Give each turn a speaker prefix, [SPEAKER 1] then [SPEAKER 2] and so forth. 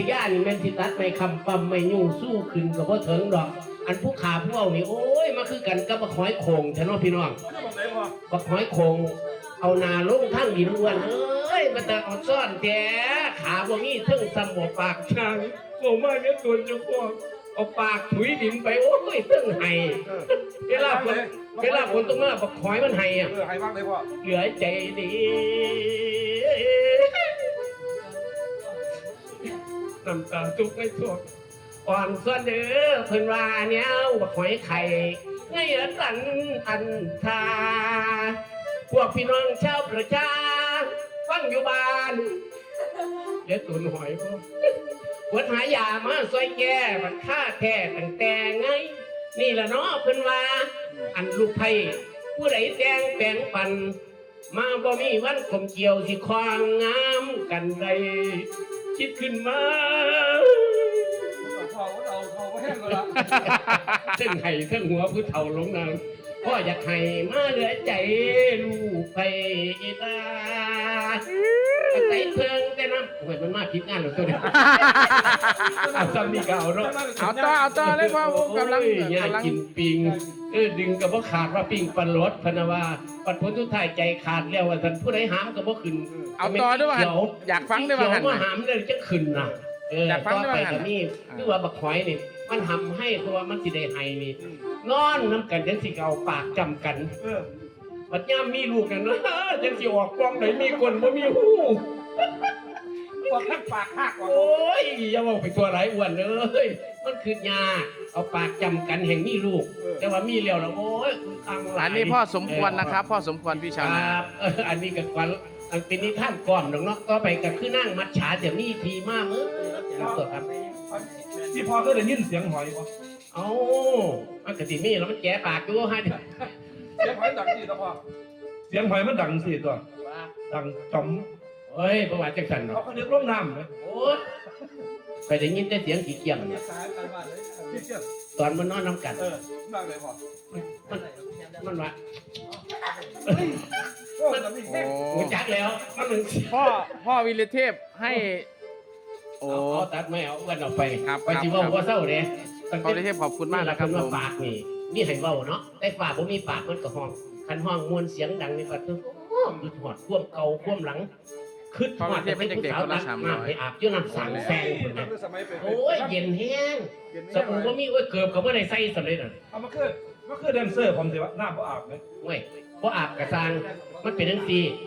[SPEAKER 1] ทยานี่แม่นสิตัดไม่คำปั๊มไม่ยุ่งสู้ขึ้นกับพ่อเถิงดอกอันผู้ขาผู้เอานี่โอ้ยมาคือกันกับบักหอยโข่งฉันว่าพี่น้องบักหอยโข่งเอานาลงทั้งดินอ้วนเอ้ยมันแต่เอาซ่อนแท้ขาบ่มีเทิงสมบปากช่างโง่มากเนี่ยตัวเจ้าพ่อเอาปากถุยดินไปโอ้ยเทิงไห้เวลาคนตรงนั้นบักหอยมันไห้อะ
[SPEAKER 2] ไห้มากเลยพ่อ
[SPEAKER 1] เหลือใจดีน้ำตาตุกไม่ทวอ่อนส่วนเด้อเพิ่นว่าเนี้ยบักหอยไข่ไงละสันอันทาพวกพี่น้องชาวประชาฟังอยู่บ้านเดี๋ยวตุนหอยพ่อปวดหายามาซอยแก่มันค่าแท้ตั้งแต่ไงนี่ละเนาะเพิ่นว่าอันลูกไผ่ผู้ใดแดงแปลงปันมาบ่มีวันคมเกี่ยวสิควางงามกันใดคิดขึ้นมา
[SPEAKER 2] เขาแห้งแล้ว
[SPEAKER 1] เส้นไห้เส้นหัวผู้เฒ่าลงน้ำพ่ออยากให้มาเหลือใจลูกไปตาใส่เพิงแต่น้ำโอ้ยมันมาผิดงานหรอตัวนี้เอาซ้ำนี่ก็เอาเนาะ
[SPEAKER 3] เอาต่อเลยพ่อผมกำลัง
[SPEAKER 1] กินปิงดึงกับว่าขาดว่าปิงปันรถพนว่าปัดพ้นทุกท่ายใจขาดแล้วว่าท่านผู้ใดหามกับว่าขึ้น
[SPEAKER 3] เอาต่อด้วยว่าอยากฟังด้วยว่า
[SPEAKER 1] ว่าหามเลยจะขึ้นนะอยากฟังด้วยว่านี่คือว่าบักหอยนี่มันทำให้ตัวมันสิได้ไห้นี่นอนน้ำกันจังสิเอาปากจำกันปัดย่ามมีลูกกันนะจังสิออกกล้องไหนมีคนบ่มีหู
[SPEAKER 2] ปากปากหัก
[SPEAKER 1] โอ้ยอย่าบอกไปตัวไรอ้วนเลยมันคือยาเอาปากจำกันแห่งมีลูกแต่ว่ามีเลี้ยวแล้วโอ้ยอังหลาย
[SPEAKER 3] อันนี้พ่อสมควรนะครับพ่อสมควรพี่ชาวนา
[SPEAKER 1] อันนี้กับความอันเป็นนิทานก่อนเนาะก็ไปกับคือนั่งมัดฉาเดี๋ยวนี้ทีมากครับ
[SPEAKER 2] ที่พอก็ได้ยินเสียงหอยป่ะ
[SPEAKER 1] เอามันกระติมีแล้วมันแก่ปากดูให้
[SPEAKER 2] เสียงหอยดังสิตัวพ่อเสียงหอยมันดังสิตัวดังจอม
[SPEAKER 1] เฮ้ยประวัติจังสันเนาะ
[SPEAKER 2] เขาเรียกร่มน้ำเลย
[SPEAKER 1] โอ้ยไปได้ยินแต่เสียงกี่เกี่ยมเนี่ยตอนมันนอนน้ำกัน
[SPEAKER 2] มากเลยพ่อ
[SPEAKER 1] มันว่า
[SPEAKER 3] มัน
[SPEAKER 1] จักแล้วมันหนึ่ง
[SPEAKER 3] พ่อวิรเทพให้
[SPEAKER 1] โอ้ตัดไม่เอาวันออกไปไปจีว่าเศร้าเลย
[SPEAKER 3] พ่อวิรเทพขอบคุณมากนะครับ
[SPEAKER 1] ว่าปากนี่ให้เบาเนาะแต่ปากผมมีปากมันก็ห้องคันห้องมวลเสียงดังนี่ก็คือหยุดหอดควมเก่าควมหลังขึ้นหอดไปผู้สาวรักมาไปอาบยื่นน้ำสังแซงคนนั้นโอ้ยเย็นแห้งสมุนก็มีเกือบกับว่าในไส้สำเร็จอ่ะ
[SPEAKER 2] เอามาคือแดนเซอร์ผมสิวะหน้าบ่อาบเลย
[SPEAKER 1] เว้ยบ่อาบกระซังมันเป็นทั้งซี